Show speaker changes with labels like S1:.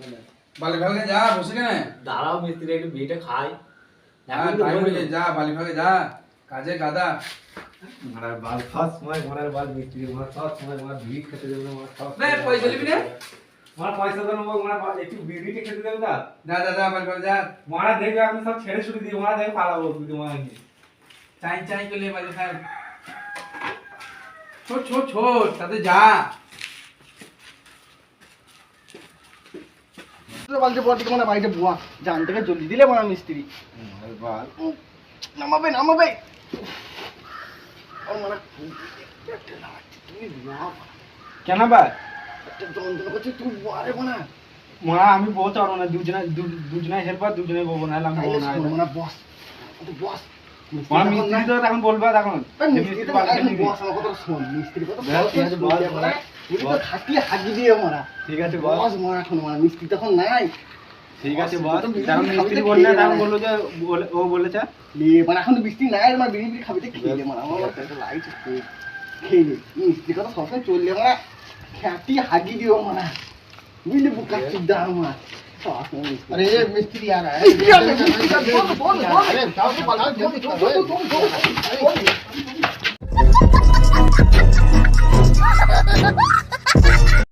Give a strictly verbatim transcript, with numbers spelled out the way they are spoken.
S1: বালি ভাগে যা বসে কেন
S2: দাঁড়াও মিস্ত্রি একটু বিয়েটা খাই
S1: হ্যাঁ টাইম হয়ে যা বালি ভাগে যা কাজে গাদা
S2: মারার বাল সব সময় মারার বাল মিস্ত্রি মার সব সময় মার বিড়ি খেতে দেবে না মার সব
S1: বে পয়সা নিবি না
S2: মার পয়সা দেবো মার একটু বিড়িটা খেতে দেবে না
S1: যা যা যা বালি ভাগে যা
S2: মারা দেখবে আমি সব ছেড়ে ছুটি দিয়ে মারা দেখে পালাবো তুই তোমার
S1: চাই চাই করে বালি ভাগ ছোট ছোট ছোট তাতে যা
S3: বালতি পর থেকে মানে বাড়িতে বুয়া জান থেকে জলদি দিলে মানে মিস্ত্রি
S2: বাল
S3: নামাবে নামাবে মানে
S2: কেন ভাই
S3: যন্ত্রণা করছে তুই বুয়ারে মানে
S2: মারা আমি বলতে পারবো না দুজনে দুজনে হেল্পার দুজনে বলবো না আমি বলবো না
S3: মানে বস বস
S2: মারা মিস্ত্রি তো এখন বলবা এখন
S3: মিস্ত্রি তো এখন বস আমার কথা শোন মিস্ত্রি কথা ঠিক আছে বস মানে তুই তো খাটিয়ে হাগি দিয়ে মারা
S2: ঠিক আছে
S3: বস মারা এখন মানে মিস্ত্রি তখন নাই
S2: ঠিক আছে বস তখন মিস্ত্রি বললে তখন বললো যে ও বলেছে
S3: লে মানে এখন তো মিস্ত্রি নাই মানে বিড়ি বিড়ি খাবিতে খেয়ে দে মানে আমার একটা লাইট খেয়ে দে মিস্ত্রি কথা সবসময় চললে মানে খাটিয়ে হাগি দিও মানে বুঝলি বুকা চিদ্দা আমার अरे ये मिस्त्री आ रहा है बोल बोल अरे जाओ तो बना जल्दी तुम तुम